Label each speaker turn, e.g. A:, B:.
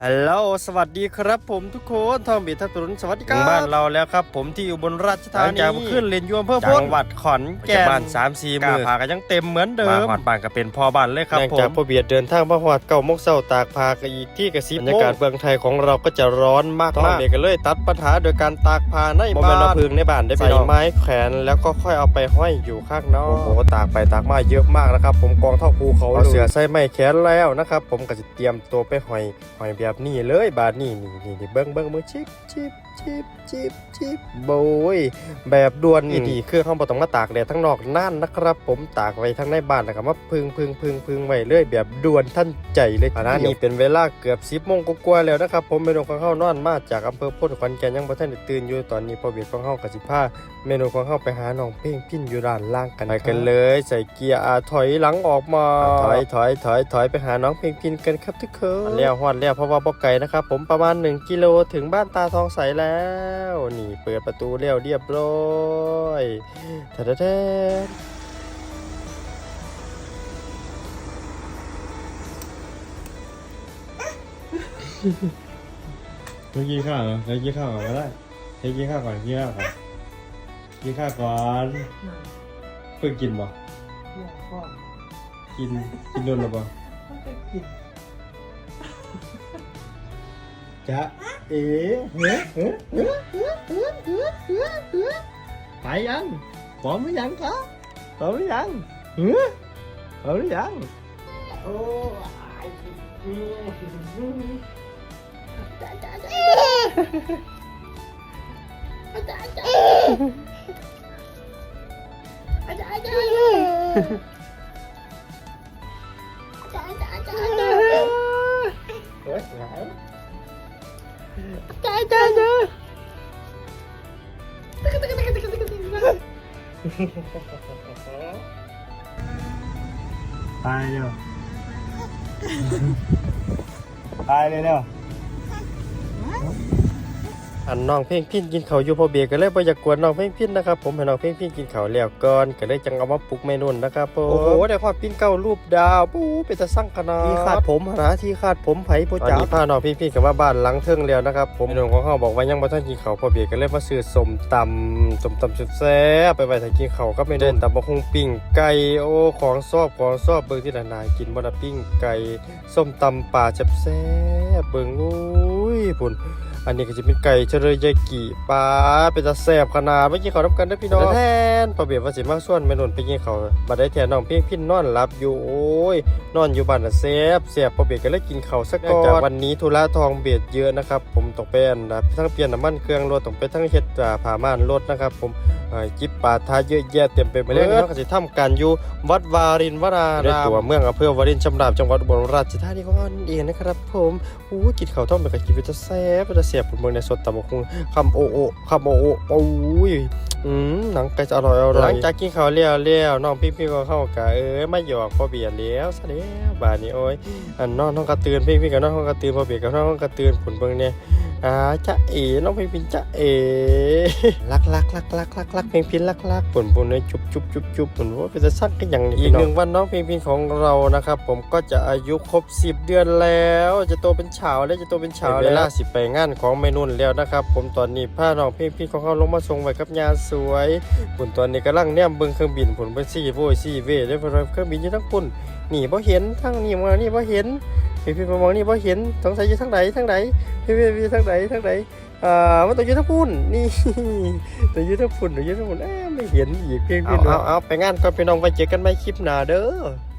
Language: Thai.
A: ฮัลโหลสวัสดีครับผมทุกคนทองบีทับตุนสวัสดีครับบ้านเราแล้วครับผมที่อยู่บนราชธานีจากขึ้นเรียนยวมเพื่อจังหวัดขอนแก่นบ้าน3-4 มื้อพากันยังเต็มเหมือนเดิมมาหอดบ้านก็เป็นพ่อบ้านเลยครับผมจากพ่อเบียดเดินทางมาหอด9 โมงเช้าตากพากันอีกที่กระซิบบรรยากาศเมืองไทยของเราก็จะร้อนมากๆเด็กก็เลยตัดปัญหาโดยการตากผ้าในบ้านเอาพึ่งในบ้านได้ใส่ไม้แขวนแล้วก็ค่อยเอาไปห้อยอยู่ข้างนอกโอ้โหตากไปตากมาเยอะมากนะครับผมกองเท่าภูเขาเอาเสือใส่ไม้แขวนแล้วนะครับผมก็จะเตรียมตัวไปห้อยแบบนี้เลยบาดนี่เบิ้งมือชิบโบยแบบด่วนนี่เครื่องเขาบอกต้องมาตากแดดทั้งนอกนั่นนะครับผมตากไว้ทั้งในบ้านแล้วก็มาพึ่งไว้เลยแบบด่วนท่านใจเลยขณะนี้เป็นเวลาเกือบ10 โมงกว่าแล้วนะครับผมเมนูของเขานอนมาจากอำเภอโพธิ์ขอนแก่นยังบ่ทันได้ตื่นอยู่ตอนนี้พอเบียดของเขากสิพาเมนูของเขาไปหาน้องเพ่งพิ้นอยู่ด้านล่างกันไปกันเลยใส่เกียร์ถอยหลังออกมาถอยไปหาน้องเพ่งพิ้นกันครับทุกคนแล้วฮอดแล้วเพราะว่าบ่ไกลนะครับผมประมาณ1 กิโลถึงบ้านตาทองใสแล้วนี่เปิดประตูเรียบร้อยแท้
B: ไม่กินข้าวเหรอกินข้าวก่อนก็ได้กินข้าวก่อนกินข้าวก่อนเพิ่งกินบ่กินโดนหรือเปล่าจ๊ะเอ๋ไปยังพร้อมหรือยังครับพร้อมหรือยังพร้อมหรือยังโอ้ตายเร็วตายเลยเร็ว
A: อันน้องเพ่งพิ้นกินเขาอยู่พอเบียก็เลยบ่อยากกวนน้องเพ่งพิ้นนะครับผมให้น้องเพ่งพิ้นกินเขาแล้วก่อนก็เลยจังเอามาปลุกเมนูนะครับผมโอ้โหได้ความปิ้นเก้ารูปดาวปูเป็นตะสั่งขนาดที่คาดผมหาที่คาดผมไผ่โปจ๋าพาน้องเพ่งพิ้นกับว่าบ้านหลังเทิงแล้วนะครับผมเมนูของเขาบอกว่ายังบ่ทันกินเขาพอเบียก็เลยมาซื้อส้มตำสุดแซ่บไปไว้ถ้ากินเขาก็ไม่ได้ตำบักหุ่งปิ้งไก่โอ้ของชอบเบิ่งที่นานๆกินบ่ได้ปิ้งไก่ส้มตำป่าแซ่บเบิ่งอุ้ยพุ่นอันนี้ก็จะเป็นไก่เชรยากิปลาเป็นตาแซ่บขนาดเมื่อกี้เขาทำกันได้พี่น้องแทนพอเบียดว่าสิมาส่วนไม่นนไปกินเขาบัดได้แทนน้องเพียงพิ้นนอนหลับอยู่โอ้ยนอนอยู่บ้านแซ่บพอเบียดก็เลยกินเขาสักก่อนจากวันนี้ธุระทองเบียดเยอะนะครับผมต้องไปทั้งเปลี่ยนน้ำมันเครื่องรถต้องไปทั้งเฮ็ดผ้าม่านรถนะครับผมจิบปาทาเยอะแยะเต็มไปหมดเลยเขาก็จะทำการอยู่วัดวารินวรารามตัวเมืองอำเภอวารินชำราบจังหวัดอุบลราชธานีของเราเองนะครับผมโอ้กินข้าวต้มแบบกินไปจะแซ่บผมเมืองในสดตำบักหุ่งคำโอโอ้ยหนังไก่จะอร่อยหลังจากกินข้าวเลี้ยวน้องพี่ก็เข้ากะไม่หยอกพอเบียดเลี้ยวซะแล้วบ้านนี้โอ้ยน้องกระตือนพี่กับน้องกระตือนพอเบียดกับน้องกระตือนผลเบิ่งเนี่ยจ๊ะเอ๋น้องเพลงพินจ๊ะเอ๋รักเพลงพินรักผลเนี่ยจุบผลว่าเป็นจะสักกันอย่างอีก1 วันน้องเพลงพินของเรานะครับผมก็จะอายุครบ10 เดือนแล้วจะโตเป็นสาวแล้วเวลาสิไปงานของเมนุ่นแล้วนะครับผมตอนนี้พาน้องเพลงพินของเขาลงมาส่งไว้กับยาสวยผลตอนนี้กำลังเนี่ยเบิ่งเครื่องบินผลเป็น4 โว4 เวได้เพราะเครื่องบินอยู่ทั้งปุ่นนี่บ่เห็นทั้งนี่มานี่บ่เห็นพี่มองนี่บ่เห็นสงสัยอยู่ทางไหนพี่ทางไหนมันต้องอยู่ทั้งปุ่นนี่ต้องอยู่ทั้งปุ่นไม่เห็นอีกเพียงเอาไปงานก่อนพี่น้องไว้เจอกันใหม่คลิปหน้าเด้อ